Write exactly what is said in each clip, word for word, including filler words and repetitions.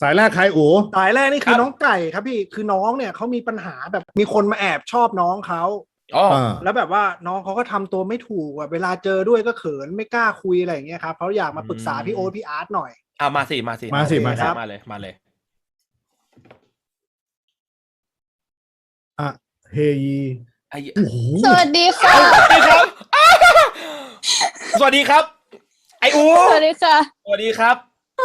สายแรกใครอู๋สายแรกนี่คือครับน้องไก่ครับพี่คือน้องเนี่ยเขามีปัญหาแบบมีคนมาแอบชอบน้องเขาอ๋ออ่าแล้วแบบว่าน้องเขาก็ทำตัวไม่ถูกแบบเวลาเจอด้วยก็เขินไม่กล้าคุยอะไรอย่างเงี้ยครับเขาอยากมาปรึกษาพี่โอ๊ตพี่อาร์ตหน่อยอ่ามาสิมาสิมาสิมาสิมาเลยมาเลยอ่ะเฮยีไอ้โอ้โหสวัสดีค่ะสวัสดีครับสวัสดีครับ ไอ้อูสวัสดีค่ะสวัสดีครับ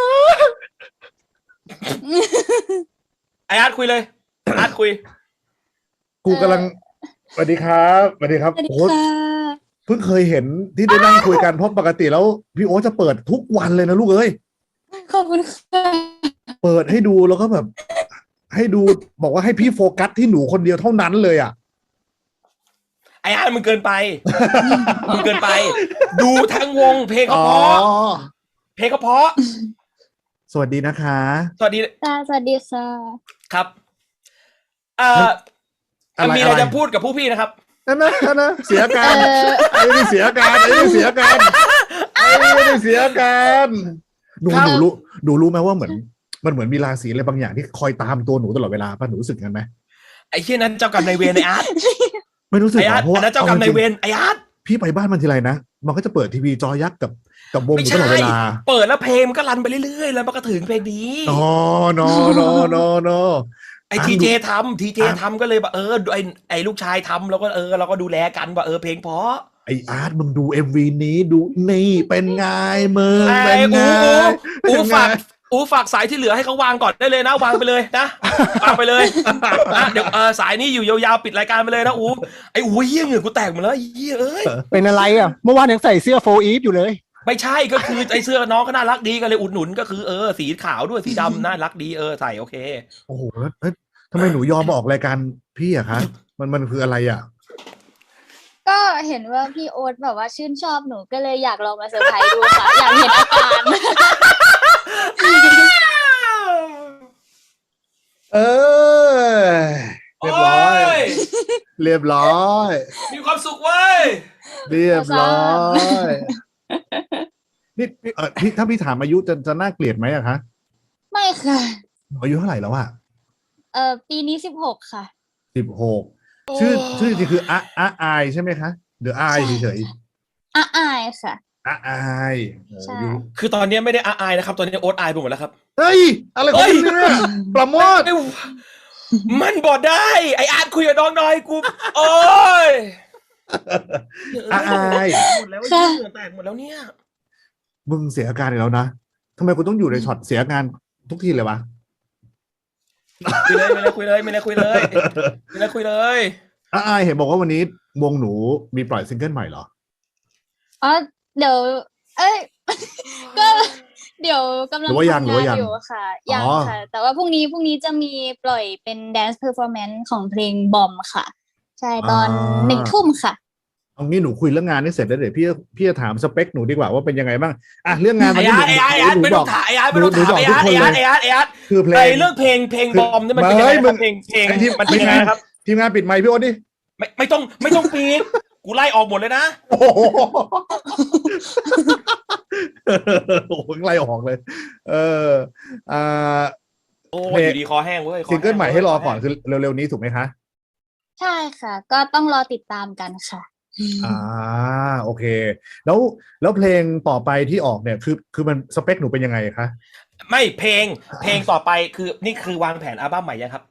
ไออาร์ตคุยเลยอาร์ตคุยกูกำลังสวัสดีครับสวัสดีครับสวัสดีโอ้ค่ะเพิ่งเคยเห็นที่ได้นั่งคุยกันเพราะปกติแล้วพี่โอ๊ตจะเปิดทุกวันเลยนะลูกเอ้ยขอบคุณค่ะเปิดให้ดูแล้วก็แบบ ให้ดูบอกว่าให้พี่โฟกัสที่หนูคนเดียวเท่านั้นเลยอ่ะไออาร์ตมึงเกินไปมึงเกินไป ดูทั้งวงเพลงก็อ๋อเพราะเพลงก็เพราะสวัสดีนะคะสวัสดีค่ะสวัสดีค่ะครับเอ่ออะไรมีอะไรอะไรจะพูดกับผู้พี่นะครับนั่นนะนั่นนะเสียกาเอรอไอ้นี่เสียการไอ้นี่เสียการไอ้นี่เสียการหนูครับหนูรู้หนูรู้ไหมว่าเหมือน มันเหมือนมีราศีอะไรบางอย่างที่คอยตามตัวหนูตลอดเวลาป่ะหนูรู้สึกงั้นไหมไอ้เชี่ยนั้นเจ้ากรรมนายเวรไออาร์ตไม่รู้สึกไอหรอาอร์ตเพราะอัว่านนั้นเจ้ากรรมนายเวรไออาร์ตพี่ไปบ้านมันทีไรนะมันก็จะเปิดทีวีจอยักษ์กับกับวงอไม่ยู่ตใช่ลอดเวลาเปิดแล้วเพลงมันก็รันไปเรื่อยๆแล้วมันก็ถึงเพลงนี้นอนอนอนอนอไออ่ะทีดูเจทำทีเจอ่ะทำก็เลยแบบเออไอไอลูกชายทำแล้วก็เออเราก็ดูแลกันว่าเออเพลงเพราะไออาร์ตมึงดูเอ็มวีนี้ดูนี่เป็นไงมึงไอ้เป็นไงอูอูเป็นไงฝากอูฝากสายที่เหลือให้เขาวางก่อนได้เลยนะวางไปเลยนะวางไปเลยนะเดี๋ยวเออสายนี้อยู่ยาวๆปิดรายการไปเลยนะอูไอ้อูเหี้ยเหงื่อกูแตกหมดแล้วไอ้เหี้ยเอ้ยเป็นอะไรอ่ะ เมื่อวานยังใส่เสื้อโฟอีฟอยู่เลยไม่ใช่ก็คือไอ้เสื้อน้องก็น่ารักดีก็เลยอุดหนุนก็คือเออสีขาวด้วยสีดำน่ารักดีเออใส่โอเคโอ้โหแล้วเอ้ยทำไมหนูยอมมาออกรายการพี่อะคะมันมันคืออะไรอะก็เห็นว่าพี่โอ๊ตแบบว่าชื่นชอบหนูก็เลยอยากลองมาเซอร์ไพรส์ดูค่ะ อยากเห็นอาการเออเรียบร้อย เรียบร้อยมีความสุขเว้ยเรียบร้อยนี่พี่เออพี่ถ้าพี่ถามอายุจะจะน่าเกลียดไหมอะคะไม่ค่ะหนูอายุเท่าไหร่แล้วอะเออปีนี้สิบหกค่ะสิบหกชื่อชื่อจริงคืออะอะอายใช่ไหมคะเดอะอายเฉยอาอายค่ะๆอะอายโอ้ใช่อยู่คือตอนนี้ไม่ได้อายนะครับตอนนี้โอ๊ตอายไปหมดแล้วครับเฮ้ยอะไรของมึงเนี่ยปราโมทไม่มันบอดได้ไออาร์ตคุยกับน้องหน่อยกูโอ้ยอะอายหมดแล้วเหงื่อแตกหมดแล้วเนี่ยมึงเสียอาการอีกแล้วนะทำไมกูต้องอยู่ในช็อตเสียอาการทุกทีเลยวะคุยเลยไม่เลยคุยเลยไม่เลยคุยเลยไม่เลยคุยเลยอะอายเห็นบอกว่าวันนี้วงหนูมีปล่อยซิงเกิลใหม่เหรออ๋อเดี๋ยว เอ้ย ก็เดี๋ยวกำลังหรือว่ายังทำหรือว่ายังอยู่ค่ะ ยังอ๋อค่ะ แต่ว่าพรุ่งนี้พรุ่งนี้จะมีปล่อยเป็น dance performance ของเพลงบอมค่ะ ใช่ตอนหนึ่งทุ่มค่ะเอางี้หนูคุยเรื่องงานนี่เสร็จแล้วเดี๋ยวพี่พี่จะถามสเปคหนูดีกว่าว่าเป็นยังไงบ้างอ่ะเรื่องงานไอวันนี้อาร์ตไออาร์ตไออาร์ตหนูไม่บต้ออก งถามไออาร์ตไม่ต้องถามไออาร์ตไออาร์ตไออาร์ตไออาร์ตคือเพลไอง เรื่องเพลงเพลงบอมนี่มันเป็นยังไงเฮ้ยมึครับงเพลงเพลงไอ้ที่มันเป็นยังไงนะครับทีมงานปิดไมค์พี่โอ๊ตดิไม่ไม่ต้องไม่ต้องปีดกูไล่ออกหมดเลยนะโอ้โหโอ้โหไล่ออกเลย เอออ่าโอ้เพลยอง ยู่ดีคอแห้งเว้ยคอซิงเกิลใหม่ให้รอก่อนแห้งคือเร็วๆนี้ถูกไหมคะใช่ค่ะ ก็ต้องรอติดตามกันค่ะอ่าโอเค แล้วแล้วเพลงต่อไปที่ออกเนี่ยคือคือมันสเปคหนูเป็นยังไงคะไม่เพลงเพลงต่อไปคือนี่คือวางแผนอัลบั้มใหม่ยังครับ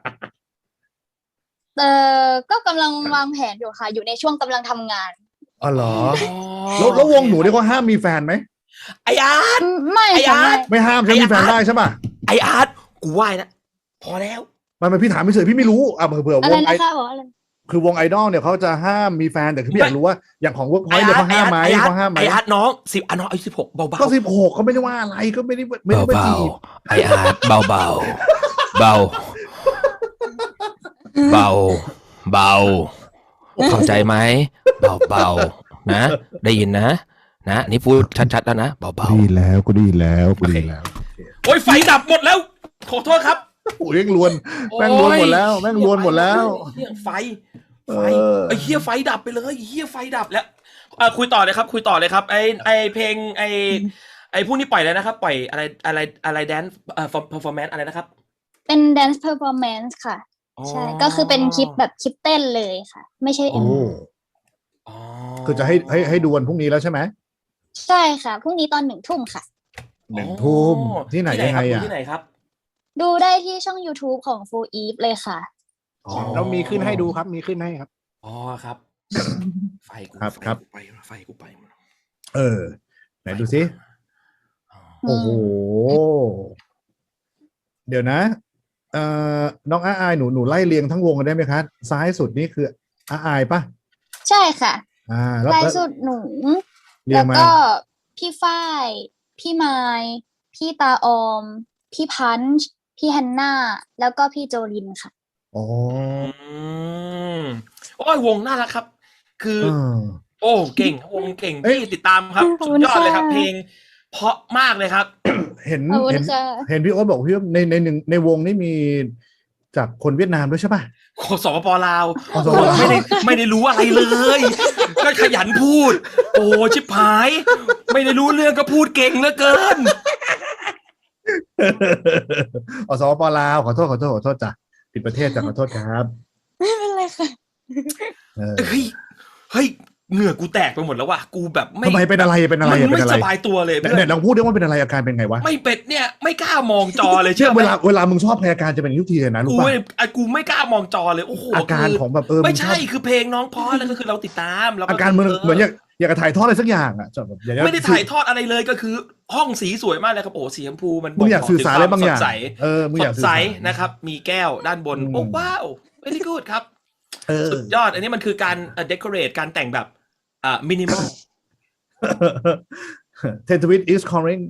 เออก็กำลังวางแผนอยู่ค่ะ อยู่ในช่วงกำลังทำงานอ๋อเหรอแล้วแล้ววงหนูนี่เขาห้ามมีแฟนไหมไออาร์ตไม่ไอ้ค่ะอาร์ตไม่ไม่ห้ามใช่ไหมมีแฟนได้ใช่ป่ะไออาร์ตกูไหว้นะพอแล้วมันเป็นพี่ถามไม่เฉยพี่ไม่รู้อ่ะเผื่อเผื่ออะวไรงไอนะคะบอกอะไรคือวงไอดอลเนี่ยเขาจะห้ามมีแฟนแต่คือพี่อยากรู้ว่าอย่างของเวิร์กพอยต์เนี่ยเขาห้ามไหมไออาร์ตเขาห้ามไหมไออาร์ตน้องสิบอ่ะน้องอายุสิบหกเบาๆก็สิบหกเขาไม่ได้ว่าอะไรก็ไม่ได้ไม่ได้มาจีบไออาร์ตเบาเบาเบาเบาเบาเข้าใจไหมเบาเบานะ ได้ยินนะ นะนี่พูดชัดๆแล้วนะเบาเบาดีแล้วกูดีแล้วกูดีแล้วโอ้ยไฟดับหมดแล้วขอโทษครับโอ้ยแม่งลวนแม่งลวนหมดแล้วแม่งลวนหมดแล้วเฮียไฟไฟเออไอ้เฮียไฟดับไปเลยไอ้เฮียไฟดับแล้วอ่ะคุยต่อเลยครับ คุยต่อเลยครับ ไอไอเพลงไอไอ้พวกนี้ปล่อยแล้วนะครับ ปล่อยอะไรอะไรอะไรแดนเอ่อ performance อะไรนะครับเป็น dance performance ค่ะ ใช่ ก็คือเป็นคลิปแบบคลิปเต้นเลยค่ะ ไม่ใช่โอ้เอ็มอ๋อคือจะให้ให้ให้ดูวันพรุ่งนี้แล้วใช่ไหมใช่ค่ะ พรุ่งนี้ตอนหนึ่งทุ่มค่ะหนึ่งทุ่มที่ไหนยังไงครับอ่ะที่ไหนครับดูได้ที่ช่อง YouTube ของ Full Eve เลยค่ะอ๋อเรามีขึ้นให้ดูครับ มีขึ้นให้ครับอ๋อครับ ไฟกูครับไฟครับกูไปไฟกูไปเออ ไหนดูสิอ๋อโอ้โห เดี๋ยวนะ เอ่อ น้องอาอายหนูหนูไล่เรียงทั้งวงกันได้ไหมคะ ซ้ายสุดนี่คืออาอายปะใช่ค่ะอ่า แล้วลายแล้วสุดหนูเรียแล้งวมาก็พี่ฝ้าย พี่ไมค์พี่ตาออม พี่พันช์พี่ฮันน่า แล้วก็พี่โจลินค่ะอ๋ออืมโอ้ยวงน่ารักครับ คือเออโอ้เก่งวงเก่งเอ้ยที่ติดตามครับขอบสุคุดณยอดเลยครับค่ะเพลง เพราะมากเลยครับเห็นขอบคุณเห็นค่ะเห็นพี่โอ๊ตบอกพี่ว่าในในหนึ่งในวงนี่มีจากคนเวียดนามด้วยใช่ปะโคสปปลาวอ๋อสปปลาวไม่ได้ไม่ได้รู้อะไรเลย ก็ขยันพูด โอ้ชิบหาย ไม่ได้รู้เรื่องก็พูดเก่งเหลือเกินอ๋อสปปลาวขอโทษขอโทษขอโทษจ้ะผิดประเทศจ้ะขอโทษครับไม่เป็นไรค่ะเออเฮ้ย เฮ้ย เหงื่อกูแตกไปหมดแล้วว่ะ กูแบบไม่ทำไมเป็นอะไรเป็นอะไรมันเป็ไม่นอะไรสบายตัวเลยเนี่เพื่ยอนเนี่ยลองพูดได้ว่าเป็นอะไรอาการเป็นไงวะไม่เป็ดเนี่ย ไม่กล้ามองจอเลยเชื่เชื่ออไหมเวลาเวลามึงชอบใครอาการจะเป็นทุกทีเลยนะรู้กูป่ะไม่อ่ะกูไม่กล้ามองจอเลย โอ้โหอาการคืของแบบเออไม่งชใช่อบคือเพลงน้องเพราะแล้วก็คือเราติดตามแล้วก็อาการมึงเหมือนอยากอยากจะถ่ายทอดอะไรสักอย่างอ่ะจะแบบอยากจะไม่ได้ถ่ายทอดอะไรเลยก็คือ ห้องสีสวยมากเลยครับโอ้สีชมพูมันมึงอยากสื่อสารอะไรบางอย่างสดใสเออมึงสอยากดสื่อใสสารนะครับ มีแก้วด้านบนอืมโอ้ว้าว very good ครับเออสุดยอด อันนี้มันคือการเอ่อ decorate การแต่งแบบอ่า minimal เทนทวิต is calling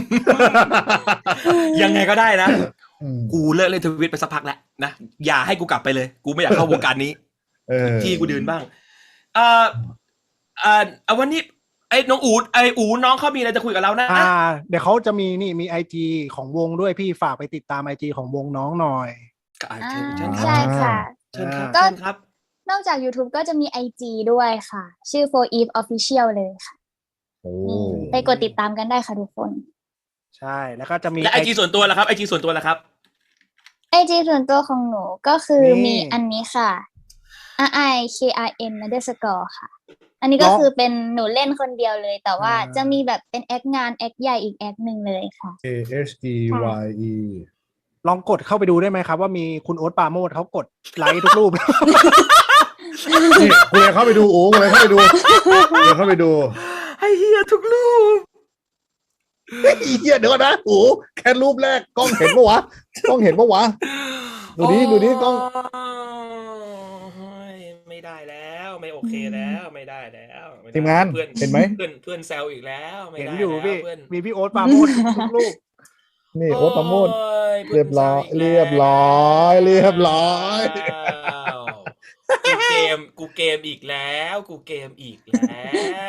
ยังไงก็ได้นะอืมกูเลิกเล่นทวิตไปสักพักแล้วนะ อย่าให้กูกลับไปเลย กูไม่อยากเข้าวงการนี้เออที่กูเดินบ้างเอ่อเอ่อเอาวันนี้ไอ้น้องอูดไอ้อูน้องเขามีอะไรจะคุยกับเรานะอ่า เดี๋ยวเขาจะมีนี่มีไอจีของวงด้วยพี่ฝากไปติดตามไอจีของวงน้องหน่อยอ่าอ่าเชิญเชิญคใช่รับค่ะเชิญครับก็เชิญครับนอกจาก YouTube ก็จะมี ไอ จี ด้วยค่ะ ชื่อ Full Eve Official เลยค่ะโอ้นี่ไปกดติดตามกันได้ค่ะทุกคนใช่ แล้วก็จะมีและไอจีส่วนตัวล่ะครับไอจีส่วนตัวล่ะครับไอ จี ส่วนตัวของหนูก็คือนี่มีอันนี้ค่ะ R I K R M underscore ค่ะ อันนี้ก็คือเป็นหนูเล่นคนเดียวเลย แต่ว่าจะมีแบบเป็นแอคงานแอคใหญ่อีกแอคหนึ่งเลยค่ะ A H E Y E ลองกดเข้าไปดูได้ไหมครับ ว่ามีคุณโอ๊ตปราโมทเขากดไลค์ทุกรูปนี่กูเลยเข้าไปดูโอ้กูเลยเข้าไปดูกูเลยเข้าไปดูไอเฮียทุกรูปอีเหี้ยเดี๋ยวก่อนนะโอ้แค่รูปแรกกล้องเห็นปะวะกล้องเห็นปะวะดูนี้ดูนี้กล้องโอ้ยไม่ได้แล้วไม่โอเคแล้วไม่ได้แล้วไได้ทีมงานเพื่อนเห็นไหมเพื่อนเพื่อนแซวอีกแล้วไม่เห็นได้อยู่แล้วพี่เพื่อนมีพี่โอ๊ตปราโมททุกรูปนี่โอ๊ตประโมทโอ้ยเรียบร้อยพื่นแซวกเรียบร้อยเรียบร้อยแล้วกูเกมกูเกมอีกแล้ว กูเกมอีกแล้ว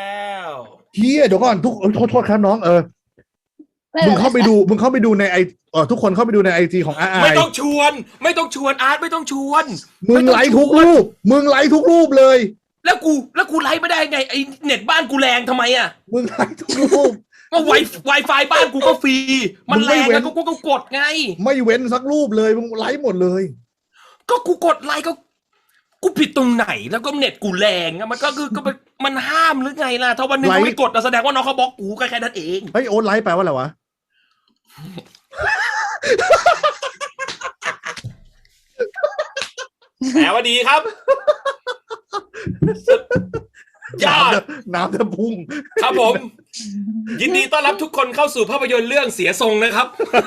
เฮียเดี๋ยวก่อนทุกโทษโทษครับน้องเออไม่มึป็งนไรเข้าไปดูมึงเข้าไปดูในไอเออทุกคนเข้าไปดูในไอจีของอาไอไม่ต้องชวน ไม่ต้องชวนอาร์ตไม่ต้องชวนมึงไลค์ทุกรูปมึงไลค์ทุกรูปเลยแล้วกูแล้วกูไลฟ์ไม่ได้ไงไอเน็ตบ้านกูแรงทำไมอ่ะมึงไลค์ทุกรูปก็ไวไวไฟบ้านกูก็ฟรี มันมึงแรไม่งเว้นแล้วก็กูก็กดไงไม่เว้นสักรูปเลยมึงไลค์หมดเลยก็กูกดไลค์ก็ กูผิดตรงไหนแล้วก็เน็ตกูแรงอะมันก็คือก็มันมันห้ามหรือไงล่ะ ถ้าวันหนึงไลค์กูไม่กดอะแสดงว่าน้องเขาบล็อกกูก็แค่นั้นเองเฮ้ยโอ๊ตไลค์แปลว่าอะไรวะแหมว่าดีครับสุดยอดน้ำจะพุ่งครับผม ยินดีต้อนรับทุกคนเข้าสู่ภาพยนตร์เรื่องเสียทรงนะครับ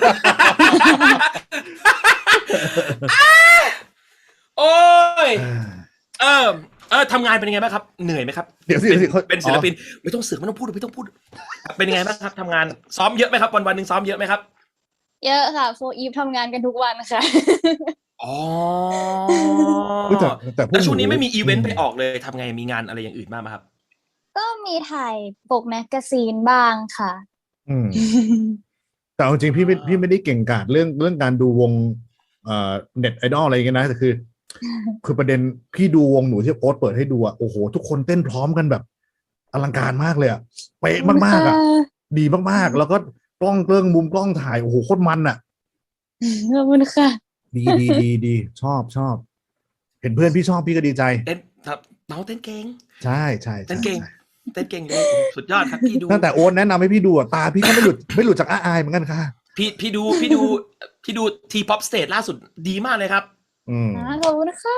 โอ้ย เออเออทำงานเป็นยังไงบ้างครับ เหนื่อยไหมครับเดี๋ยวสิเป็นเดี๋ยวสิเป็นศิลปิน ไม่ต้องเสือกไม่ต้องพูดไม่ต้องพูด เป็นยังไงบ้างครับทำงานซ้อมเยอะไหมครับ วันวันหนึ่งซ้อมเยอะไหมครับเยอะค่ะ Full Eve ทำงานกันทุกวันค่ะอ๋อเฮ้ยแต่แต่พวกแล้วช่วงนี้หไม่มีอีเวนต์ไปออกเลยทำไงมีงานอะไรอย่างอื่นบ้างไหมครับก็มีถ่ายปกแมกกาซีนบ้างค่ะอืมแต่เอาจริงพี่ไม่พี่ไม่ได้เก่งกาจเรื่องเรื่องการดูวงเอ่อเน็ตไอดอลอะไรอย่างเงี้ยนะแต่คือ คือประเด็นพี่ดูวงหนูที่โอ๊ตเปิดให้ดูอ่ะโอ้โหทุกคนเต้นพร้อมกันแบบอลังการมากเลยอ่ะเป๊ะมากๆอ่ะดีมากๆ แล้วก็กล้องเกรื่องมุมกล้องถ่ายโอ้โหโคตรมันอ่ะขอบคุณค่ะดีดีดีดีชอบชอบ เห็นเพื่อนพี่ชอบพี่ก็ดีใจเต้นครับน้องเต้นเก่งใช่ใช่เต้ใช่นเก่งใช่เต้นเก่งเลยสุดยอดครับพี่ดูตั้งแต่โอ๊ตแนะนำให้พี่ดูอะตาพี่ก็ไม่หลุดไม่หลุดจากอ้าอายเหมือนกันค่ะพี่พี่ดูพี่ดูพี่ดูทีป๊อปสเตจล่าสุดดีมากเลยครับอืมอ่าขอบคุณค่ะ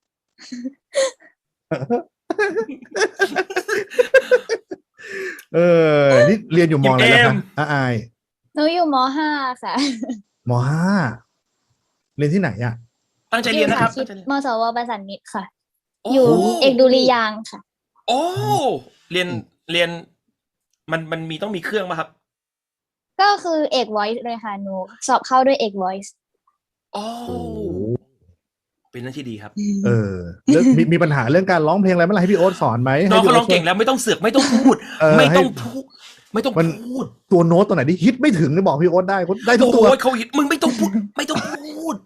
เออนี่เรียนอยู่มอะไรแล้วคะอ้าอายหนูอยู่มห้าค่ะมห้าเรียนที่ไหนอ่ะตั้งใจเรียนนะครับคิดมสวประสานมิตรค่ะโอ้อยู่เอกดุริยางค์ค่ะโอ้เรียนเรียน มันมันมีต้องมีเครื่องป่ะครับก็คือเอก voice เลยค่ะหนูสอบเข้าด้วยเอก voice โอ้เป็นเรื่องที่ดีครับเออเรื่องมีมีปัญหาเรื่องการร้องเพลงอะไรเมื่อไหร่ให้พี่โอ๊ตสอนไหมน้องให้เขาพี่ร้โองเก่งแล้วไม่ต้องเสือกไม่ต้องพูดเออไม่ให้ต้องพูด ไม่ต้องมันพูดตัวโน้ตตัวไหนที่ฮิตไม่ถึงเนี่ยบอกพี่โอ๊ตได้ได้ทุกตัวโอ้ยเขาหิดมึงไม่ต้องพูด ไม่ต้องพูด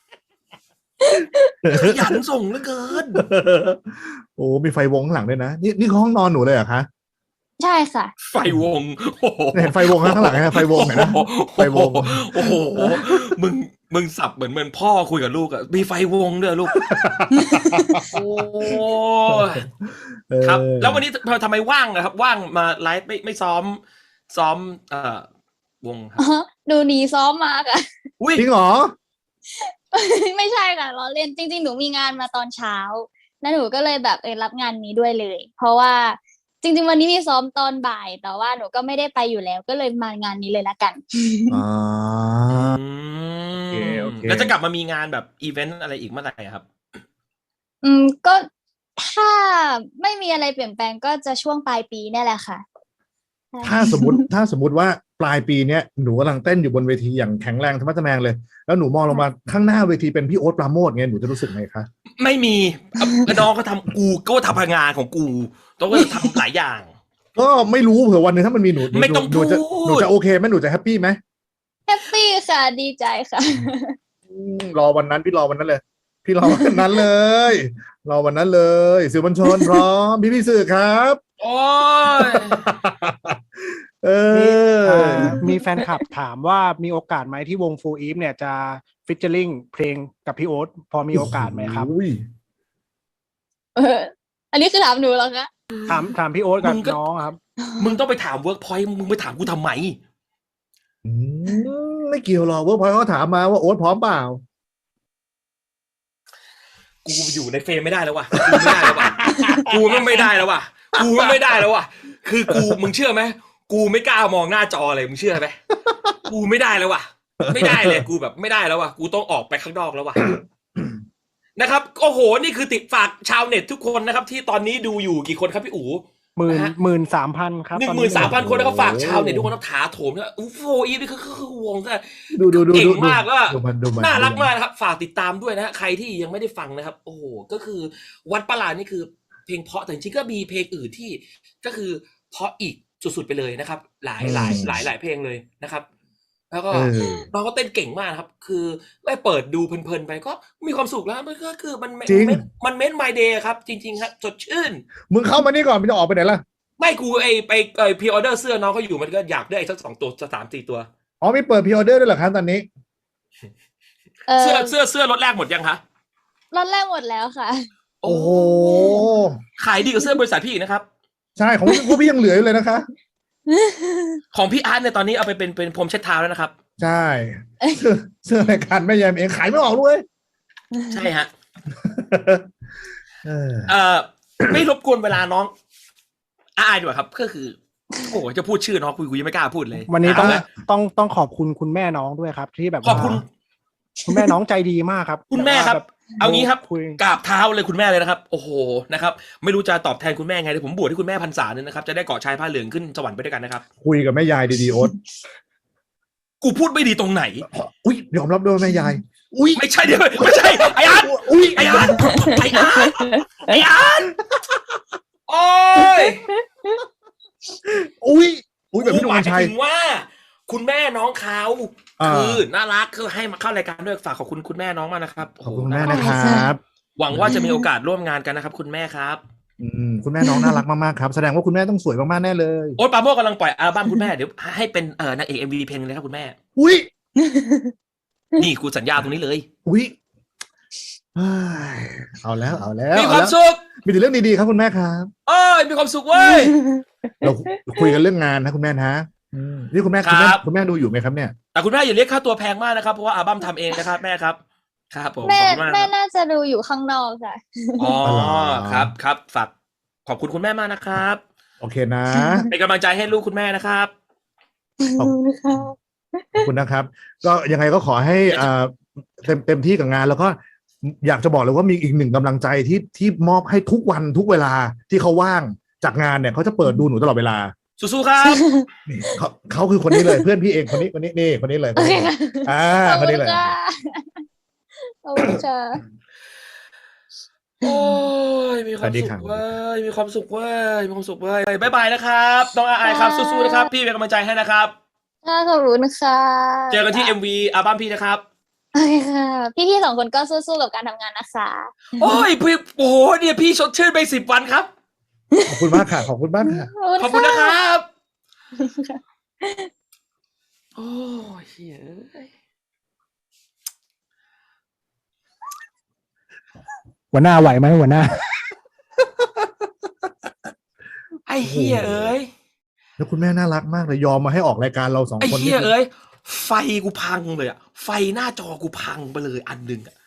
ขยันส่งเหลือเกินโอ้มีไฟวงข้างหลังด้วยนะนี่นี่คือห้องนอนหนูเลยเหรอคะใช่ค่ะไฟวงโอ้โหเห็นไฟวงข้างหลังไหมไฟวงเห็นนะไฟวงโอ้โหมึงมึงสับเหมือนเหมือนพ่อคุยกับลูกอะมีไฟวงด้วยลูกโอ้ยเออครับ แล้ววันนี้ทำไมว่างนะครับ ว่างมาไลฟ์ไม่ไม่ซ้อม ซ้อมเอ่อวงครับอ๋อหนูหนีซ้อมมาค่ะอุ้ยจริงเหรอไม่ใช่ค่ะเราเล่นจริงๆ หนูมีงานมาตอนเช้า แล้วหนูก็เลยแบบเออรับงานนี้ด้วยเลย เพราะว่าจริงๆ วันนี้มีซ้อมตอนบ่าย แต่ว่าหนูก็ไม่ได้ไปอยู่แล้ว ก็เลยมางานนี้เลยละกันอ่าอืมโอเคโอเคแล้วจะกลับมามีงานแบบอีเวนต์อะไรอีกเมื่อไหร่ครับอืมก็ถ้าไม่มีอะไรเปลี่ยนแปลงก็จะช่วงปลายปีเนี่ยแหละค่ะถ้าสมมติถ้าสมมติว่าปลายปีเนี้ยหนูกำลังเต้นอยู่บนเวทีอย่างแข็งแรงธรรมะทะแมงเลย แล้วหนูมองลงมาข้างหน้าเวทีเป็นพี่โอ๊ตปราโมทไงหนูจะรู้สึกไงคะไม่มีน้องก็ทำกูก็ทำงานของกูต้องก็ทำหลายอย่างก็ไม่รู้เผื่อวันหนึงถ้ามันมีหนูหนูไม่ต้องหนูจะพูดหนูจะโอเคไหมหนูจะแฮปปี้ไหมแฮปปี้ค่ะดีใจค่ะอืมรอวันนั้นพี่รอวันนั้นเลย พี่รอวันนั้นเลย รอวันนั้นเลยสื่อมวลชนพร้อมพี่พี่ๆสื่อครับโอ้ยเอออ่ามีแฟนคลับถามว่ามีโอกาสไหมที่วง Full Eve เนี่ยจะฟิชเชอริงเพลงกับพี่โอ๊ตพอมีโอกาสไหมครับอุ้ยเออ อันนี้คือถามหนูเหรอคะถามถามพี่โอ๊ตกับมึงก็น้องครับมึงต้องไปถามเวิร์กพอยต์มึงไปถามกูทำไมอืมไม่เกี่ยวหรอกเวิร์กพอยต์เขาถามมาว่าโอ๊ตพร้อมเปล่ากูอยู่ในเฟรมไม่ได้แล้วว่ะ กูไม่ได้แล้วว่ะ กูไม่ไม่ได้แล้วว่ะ กูไม่ได้แล้วว่ะ คือกูมึงเชื่อไหมกูไม่กล้ามองหน้าจอเลยมึงเชื่อไหมกูไม่ได้แล้วว่ะ ไม่ได้เลยกูแบบไม่ได้แล้วว่ะ กูต้องออกไปข้างนอกแล้วว่ะ นะครับโอ้โหนี่คือติดฝากชาวเน็ตทุกคนนะครับ ที่ตอนนี้ดูอยู่กี่คนครับพี่อู๋หมื่นนะฮะหมื่นสามพันครับหนึ่ตงอหมื่นสามพันคนนะครับฝากโอ้โหชาวเน็ตทุกคนนะถาโถมนะอู้โฟอีนี่คือคือวงก็ดูดูดูเก่งดูมากแล้วอะดูมันดูมันน่ารักดูมากนะครับ ฝากติดตามด้วยนะฮะใครที่ยังไม่ได้ฟังนะครับ โอ้โหก็คือวัดประหลาดนี่คือเพลงเพราะแต่จริงๆก็มีเพลงอื่นที่ก็คือเพราะอีกสุดๆไปเลยนะครับ หลายหลายหลายหลายเพลงเลยนะครับ แล้วก็เออน้องก็เต้นเก่งมากครับ คือได้เปิดดูเพลินๆไปก็มีความสุขแล้วมันก็คือมันจริงมันเมนต์ไมเดย์ครับ จริงๆครับสดชื่นมึงเข้ามานี่ก่อนมึงจะออกไปไหนล่ะไม่กูไอไปไอพรีออเดอร์เสื้อน้องเขาอยู่มันก็อยากได้สักสองตัวสามสี่ตัวอ๋อมีเปิดพรีออเดอร์ด้วยเหรอครับตอนนี้เออเสื้อเสื้อเสื้อรถแรกหมดยังคะรอบแรกหมดแล้วค่ะโอ้โหขายดีกว่าเสื้อบริษัทพี่อีกนะครับใช่ของพวกพี่ยังเหลืออยู่เลยนะคะของพี่อาร์ตเนี่ยตอนนี้เอาไปเป็นเป็นพรมเช็ดเท้าแล้วนะครับใช่เสื้อเสื้อรายการแม่ยายเองขายไม่ออกด้วยใช่ฮะเออเอ่อ ไม่รบกวนเวลาน้องอายดีกว่าครับ ก็คือ โอ้โหจะพูดชื่อน้องคุยคุยไม่กล้าพูดเลยวันนี้ต้องเาละต้องต้องขอบคุณคุณแม่น้องด้วยครับ ที่แบบขอบคุณว่าคุณแม่น้องใจดีมากครับคุณแม่ครับแว่าเอางี้ครับคุยกราบเท้าเลยคุณแม่เลยนะครับ โอ้โหนะครับ ไม่รู้จะตอบแทนคุณแม่ไงเดี๋ยวผมบวชให้คุณแม่พรรษาเนี่ยนะครับจะได้เกาะชายผ้าเหลืองขึ้นสวรรค์ไปด้วยกันนะครับคุยกับแม่ยายดีๆโอ๊ตกูพูดไม่ดีตรงไหนอุ้ยยอมรับด้วยว่าแม่ยาย อุ้ยไม่ใช่เดี๋ยวไม่ใช่ไอ้อาร์ตอุ้ยไอ้อาร์ตไอ้อาร์ตไอ้อาร์ตโอ้ยอุ้ยอุ้ยแบบพี่หนุ่หมมายชัยถึงว่า คุณแม่น้องเขาอ่าคือน่ารักคือให้มาเข้ารายการด้วยฝากขอบคุณคุณแม่น้องมากนะครับขอบคุณโโหแม่นะครับหวังว่าจะมีโอกาสร่วมงานกันนะครับ คุณแม่ครับอืมคุณแม่น้องน่ารักมากๆครับแสดงว่าคุณแม่ต้องสวยมากๆแน่เลยโอ๊ตปราโมชกำลังปล่อยอัลบั้มคุณแม่เดี๋ยวให้เป็นเอ่อนางเอกเอ็มวีเพลงเลยครับคุณแม่อุ้ยนี่กูสัญญาตรงนี้เลยอุ้ยเฮ้ยเอาแล้วเอาแล้วมีความเอแล้สุขมีแต่เรื่องดีๆครับคุณแม่ครับเอ้ยมีความสุขเว้ยเราคุยกันเรื่องงานนะคุณแม่นะอืมนี่คุณแม่ครัคุณแม่บคุณแม่ดูอยู่ไหมครับเนี่ยแต่คุณแม่อย่าเรียกค่าตัวแพงมากนะครับเพราะว่าอัลบั้มทำเองนะครับแม่ครับครับผมแม่ขอบคุณมากแม่ครับน่าจะดูอยู่ข้างนอกค่ะอ๋ออ๋อเหรอครับครับฝากขอบคุณคุณแม่มากนะครับโอเคนะเป็นกำลังใจให้ลูกคุณแม่นะครับขอบขอบคุณนะครับ ก็ยังไงก็ขอให้อ่าเต็มเต็มที่กับงาน แล้วก็อยากจะบอกเลยว่ามีอีกหนึ่งกำลังใจที่ที่มอบให้ทุกวันทุกเวลาที่เขาว่างจากงานเนี่ยเขาจะเปิดดูหนูตลอดเวลาสู้ๆครับนี่เขาเขาคือคนนี้เลย เพื่อนพี่เองคนนี้คนนี้นี่คนนี้เลยคนนี้เลยอ่าขอบคนคุนี้ณเลยค่ะขอบคุณค่ะโอ้ยมีความสุขเว้ยมีความสุขเว้ยมีความสุขเว้ยบายบายนะครับน้องอาไอครับสู้ๆนะครับพี่เป็นกำลังใจให้นะครับค่ะขอบคุณค่ะเจอกันที่ เอ็ม วี อัลบั้มพี่นะครับโอเคค่ะ พี่ๆสองคนก็สู้ๆกับการทำงานนะคะโอ้ยพี่โอ้โหเนี่ยพี่ชดชื่นไปสิบวันครับขอบคุณมากค่ะขอบคุณมากค่ะขอบคุณนะครับ โอ้ยเฮ้ยหัวหน้าไหวไหมหัวหน้าไอ้เฮียเอ้ยแล้วคุณแม่น่ารักมากเลยยอมมาให้ออกรายการเราสองไอ้คนเฮียเอ้ยไฟกูพังเลยอะไฟหน้าจอกูพังไปเลยอันหนึ่งอะ